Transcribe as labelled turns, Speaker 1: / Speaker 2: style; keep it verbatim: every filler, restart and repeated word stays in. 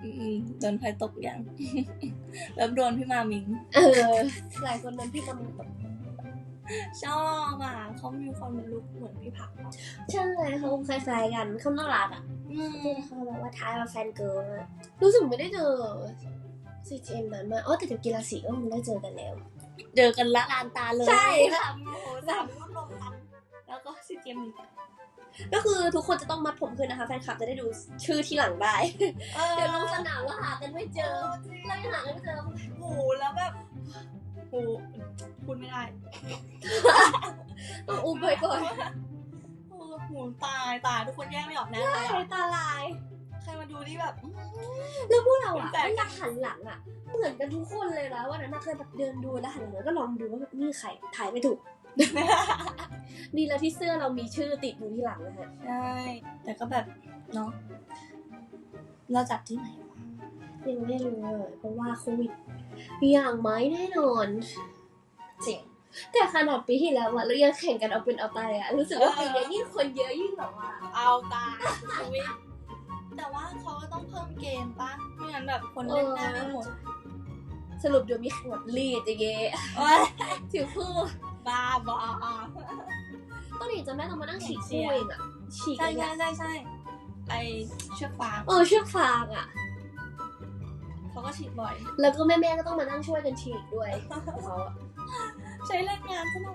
Speaker 1: อืมโดนใครตกยัง แล้วโดนพี่มามิง
Speaker 2: เออหลายคนโดนพี่มามิงตก
Speaker 1: ชอบอ่ะเขามีความลุกเหมือนพี่ผัก
Speaker 2: ใช่เขาคล้ายๆกันเขาน่ารักอ่ะ
Speaker 1: อืม
Speaker 2: เขาแบบว่าท้ายมาแฟนเกิร์ลรู้สึกไม่ได้เจอซีเจมนั้นมาอ๋อแต่เดี๋ยวกีฬาสีก็คงได้เจอกันแล้ว
Speaker 1: เจอกันละลานตาเลย
Speaker 2: ใช่
Speaker 1: ค่ะโอ้โหสามรอบลงกันแล้วก็ซีเจมอีก
Speaker 2: ก็คือทุกคนจะต้องมัดผมขึ้นนะคะแฟนคลับจะได้ดูชื่อที่หลังได้เดี๋ยวลงสนามแล้วหากันไม่เจอเรายังหากันไม่เจอ
Speaker 1: โอ้โหแล้วแบบโหพูดไม่ได้
Speaker 2: ต้องอุ้มไปก่อน
Speaker 1: โอ้โหตายตายทุกคนแยกไม่ออกแน่เลย
Speaker 2: ตาลาย
Speaker 1: ใครมาดูนี่แบบ
Speaker 2: แล้วพวกเราอ่ะไม่อยากหันหลังอ่ะเหมือนกันทุกคนเลยนะวันนั้นเคยแบบเดินดูแล้วหันหลังแล้วก็ลองดูว่านี่ใครถ่ายไม่ถูกนี่แล้วที่เสื้อเรามีชื่อติดอยู่ที่หลังนะฮะ
Speaker 1: ใช่แต่ก็แบบเนาะเราจัดที่ไหนวะ
Speaker 2: ยังไม่รู้เลยเพราะว่าโควิดอย่างไหมแน่นอน
Speaker 1: จริง
Speaker 2: แต่ขนาดปีที่แล้วอะเรายังแข่งกันเอาเป็นเอาตายอะรู้สึกว่าปีนี้ยิ่งคนเยอะยิ่งแบบว่า
Speaker 1: เอาตายชีวิตแต่ว่าเขาก็ต้องเพิ่มเกมป่ะไม่งั้นแบบคนเล่นได้ไม่หมด
Speaker 2: สรุปเดี๋ยวมีแข่งแบบลีดอย่างเงี้ยถือคู่
Speaker 1: บ้าบอ
Speaker 2: ต้องหนีจะแม่ต้องมานั่งฉีกคู่เองอะฉีก
Speaker 1: ใช่ใช่ใช่ใช่ไอเชือกฟาง
Speaker 2: เออเชือกฟางอะ
Speaker 1: เขาก็ฉีกบ่อย
Speaker 2: แล้วก็แม่แม่ก็ต้องมานั่งช่วยกันฉีกด้วยเขา
Speaker 1: ใช้แรงงานสนุก